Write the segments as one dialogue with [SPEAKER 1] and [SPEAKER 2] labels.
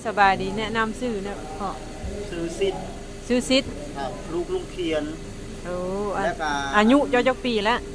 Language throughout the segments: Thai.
[SPEAKER 1] สบายดีแนะนำชื่อนะพ่อ
[SPEAKER 2] ซื้อซิด
[SPEAKER 1] ชื่อซิด
[SPEAKER 2] ครับลูกลุงเขียน
[SPEAKER 1] โอ้
[SPEAKER 2] แล้วก็
[SPEAKER 1] อายุเจ้าจักปีแล้ว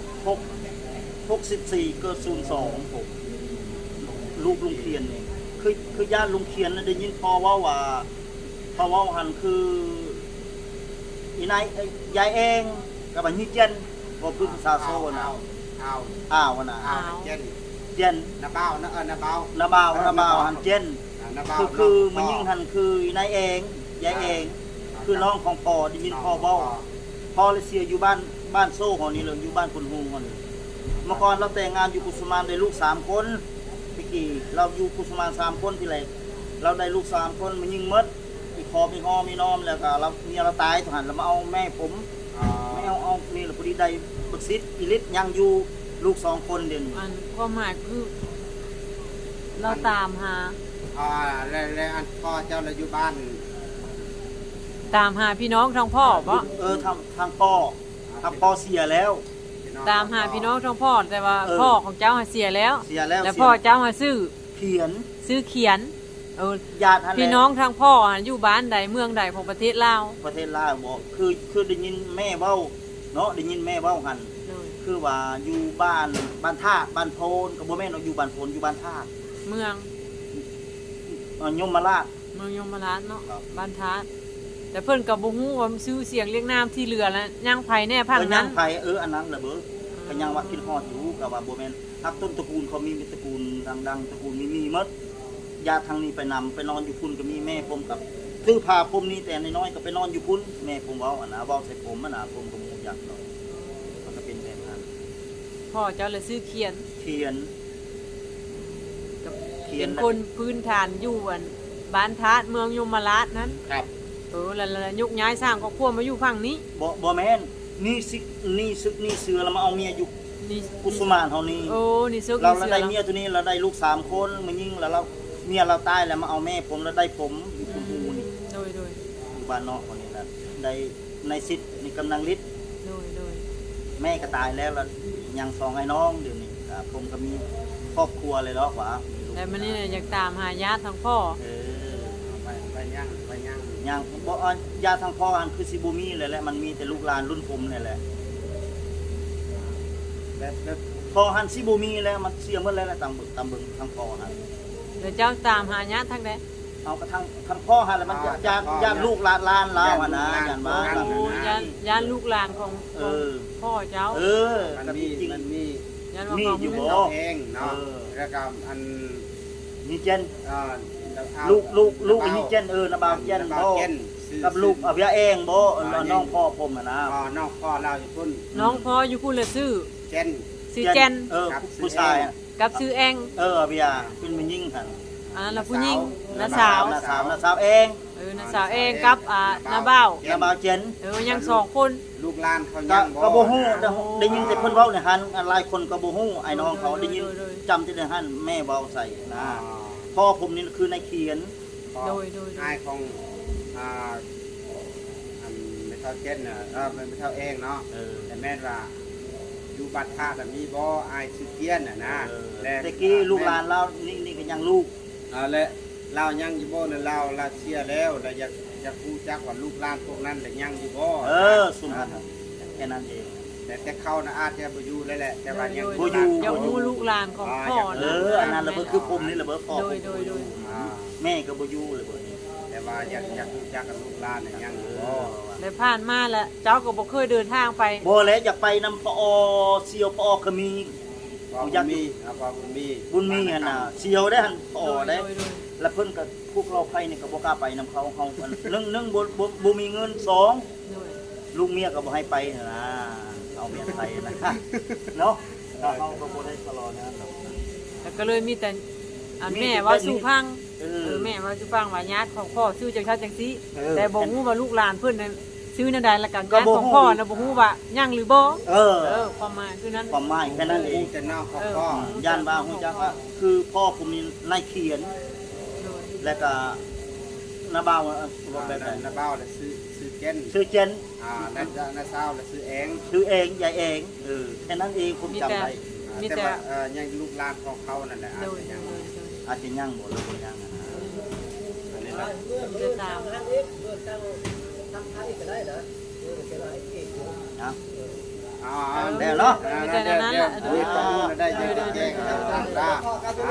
[SPEAKER 2] 64เกิด02ผมลูกลุงเขียนนี่คือญาติลุงเขียนนะได้ยินพ่อว่าหันคืออีนายยายเองกับอันนี้เจนบ่พึ่งซาโซนะอ้าวนะ
[SPEAKER 3] เจนนาเบ้านาเบ้า
[SPEAKER 2] หันเจนคือมันยิ่งหันคือนายเองยายเองคือน้องของพ่อได้ยินพ่อเว้าพ่อเลยเสียอยู่บ้านโซ่หอนี้เลยอยู่บ้านคนฮูหอนี้เมื่อก่อนเราแต่งงานอยู่กุสุมานได้ลูก3คนพี่กี่เราอยู่กุสุมาน3คนที่แรกเราได้ลูก3คนมันยิ่งมดอีกคอมีห้อมีน้อมแล้วก็เราเมียเราตายหันเรามาเอาแม่ผมไม่เอานี่แหละพอดีได้บักซิดอีลิทยังอยู่ลูก2คนเด่น
[SPEAKER 1] อันความหมายคือเราตามหา
[SPEAKER 3] แล้วอันพ่อเจ้าเราอยู่บ้าน
[SPEAKER 1] ตามหาพี่น้องทางพ่อเพราะ
[SPEAKER 2] ทางพ่อเสียแล้ว
[SPEAKER 1] ตามหาพี่น้องทางพ่อแต่ว่าพ่อของเจ้าเสียแล้วแล้วพ่อเจ้าซื้อเขียน
[SPEAKER 2] ญาติ
[SPEAKER 1] พี่น้องทางพ่ออยู่บ้านใดเมืองใดของประเทศลาว
[SPEAKER 2] บอกคือได้ยินแม่เว้าเนาะได้ยินแม่เว้าหันคือว่าอยู่บ้านท่าบ้านโพนกับบ่แม่นอยู่บ้านโพนอยู่บ้านท่า
[SPEAKER 1] เมือง
[SPEAKER 2] ยมราช
[SPEAKER 1] เมืองยมราชเนาะบ้านท่าแต่เพิ่นกับบ่ฮู้ว่าชื่อเสียงเรียกนามที่เหลือแล้วย่างไผแน่พังนั้น
[SPEAKER 2] ย่างไผอันนั้นแหละเบ้อก็ยังว่าคิดฮอดอยู่ก็ว่าบ่แม่นทักต้นตระกูลเขามีตระกูลดังๆตระกูลมีหมดญาติทางนี้ไปนำไปนอนอยู่พุ่นก็มีแม่ผมกับซื้อผ้าผมนี่แต่น้อยๆก็ไปนอนอยู่พุ่นแม่ผมเว้าเว้าใส่ผมผมก็บ่อยากเนาะมันก็เป็นแบบนั้น
[SPEAKER 1] พ่อเจ้าเลยซื้อเขียนเป็นคนพื้นฐานอยู่บ้านทาสเมืองยมราชนั้น
[SPEAKER 2] ครับ
[SPEAKER 1] แล้วยุกย้ายสร้างครอบครัวมาอยู่ฝั่งนี้
[SPEAKER 2] บ่แม่นนี่ซึกนี่เสือแล้วมาเอาเมียอยู่กุสุมานเฮานี่
[SPEAKER 1] นี่ซึก
[SPEAKER 2] เราได้เมียตัวนี้เราได้ลูก3คนมันยิ่งแล้วเราเมียเราตายแล้วมาเอาแม่ผมแล้วได้ผมอยู่คุณฮูนี่
[SPEAKER 1] โดยอยู่
[SPEAKER 2] บ้านนอกคนนี้นะได้ในสิทธิ์นี่กำลังฤทธิ์
[SPEAKER 1] โดย
[SPEAKER 2] แม่ก็ตายแล้วยัง2ไอ้น้องเดี๋ยวนี้ผมก็มีครอบครัวเลยเนาะว่า
[SPEAKER 1] แต่มันนี่อยากตามหาญาติทางพ่อ
[SPEAKER 3] ไปย่าง
[SPEAKER 2] บ่ญาติทางพ่ออันคือสิบ่มีเลยแหละมันมีแต่ลูกหลานรุ่นผมนี่แหละแบบพ่อหันสิบ่มีแล้วมันเสียหมดแล้วตามเบิ่งทางพ่อหัน
[SPEAKER 1] แล้วเจ้าตามหาญาติทางใด
[SPEAKER 2] เอากระทั่งพ่อหันแล้วมันญาติลูกหลานแล้วนะญาติบ้าน
[SPEAKER 1] ญาติลูกหลานของพ่อเจ้า
[SPEAKER 3] มันมี
[SPEAKER 2] อยู่บ่
[SPEAKER 3] เองเนาะแล้วก็อัน
[SPEAKER 2] นี่เจนลูกนี่เจนนะบ่าวเจนบ่กับลูกเพียเองบ่น้องพ่อผมนะ
[SPEAKER 3] น้องพ่อเราอยู่พุ่น
[SPEAKER 1] น้องพ่ออยู่พุ่นเลยซื้อ
[SPEAKER 3] เจน
[SPEAKER 2] ผู้ชาย
[SPEAKER 1] กับซื้อเอง
[SPEAKER 2] เพียเป็นมันยิ่งหัน
[SPEAKER 1] แล้วผู้หญิงน้าสาว
[SPEAKER 2] เอง
[SPEAKER 1] น้าสาวเองกับน้าบ่าว
[SPEAKER 2] เจน
[SPEAKER 1] ยัง2คน
[SPEAKER 3] ลูกหลานเขายัง
[SPEAKER 2] ก็บ่ฮู้ได้ยินแต่เพิ่นเว้าในหันหลายคนก็บ่ฮู้ไอ้น้องเขาได้ยินจำที่ในหันแม่เว้าใส่นะพ่อผมนี่คือนายเขียน
[SPEAKER 1] โดย
[SPEAKER 3] นายของไม่เท่าเจนไม่เท่าเองเนาะแต่แม่ว่าอยู่บัดท่าแบบนี้บ่อายชื่อเทียนนะ
[SPEAKER 2] แต่กี้ลูกหลานเรานี่ก็ยังลูก
[SPEAKER 3] และเรายังอยู่บ่เนี่ยเราเสียแล้วเราอยากรู้จักว่าลูกหลานพวกนั้นแต่ยังอยู่บ่
[SPEAKER 2] สุนทรแค่นั้นเอง
[SPEAKER 3] แต่เขาน่ะอาจจะบ่อยู่เลยแหละแต่ว่ายัง
[SPEAKER 2] บ่อยู่
[SPEAKER 1] ยังรู้ลูกหลานของพ่อ
[SPEAKER 2] อันนั้นระเบิดคือผมนี่ระเบิดพ่อ
[SPEAKER 1] โดย
[SPEAKER 2] แม่ก็บ่อยู่เลยบ่
[SPEAKER 3] แต่ว่าอยากรู้จักกับลูกหลานเนี่ยยังอยู่บ่
[SPEAKER 1] ได้ผ่านมาแล้วเจ้าก็บ่เคยเดินทางไป
[SPEAKER 2] บ่แล้วอยากไปนำปอเสียวปอก็มี
[SPEAKER 3] อยากมี
[SPEAKER 2] บุญมีหั่นน่ะเสียวได้หั่นปอได้แล้วเพิ่นก็พวกเราไปนี่ก็บ่กล้าไปนำเขา1บ่มีเงิน2ลูกเมียก็บ่ให้ไปนะเอาเมียไปนะเนาะเขาก็บ่ได้ตลอดนะ
[SPEAKER 1] แต่ก็เลยมีแต่แม่ว่าสู่พังแม่ว่าสู่พังว่าญาติของพ่อซื้อจังซั่นจังซี่แต่บ่ฮู้ว่าลูกหลานเพิ่นซื้อนั่นใดแล้วกันญาติของพ่อน่ะบ่ฮู้ว่ายังหรือบ่ความหมายคือนั้น
[SPEAKER 2] ความหมายแค่นั้นเอง
[SPEAKER 3] แต่น้องของพ่
[SPEAKER 2] อย่านว่าฮู้จักว่าคือพ่อผมนี่นายเขียนแล้วก็น้าบ่าว
[SPEAKER 3] แบบน้าบ่าวแล้วซื้อเจนน้าสาวแล้วซื้อเ
[SPEAKER 2] องยายเองแค่นั้นเองผมจำได้
[SPEAKER 3] แต่ว่ายังลูกหลานของเขานั่นแหละอาจจะยัง
[SPEAKER 2] บ่หรือบ่ยัง
[SPEAKER 1] เดินตาม
[SPEAKER 2] นะ
[SPEAKER 3] อ๋อ
[SPEAKER 2] แล้วเนาะ
[SPEAKER 1] มีแต่นั้นแหละ
[SPEAKER 3] ได้แจ้ง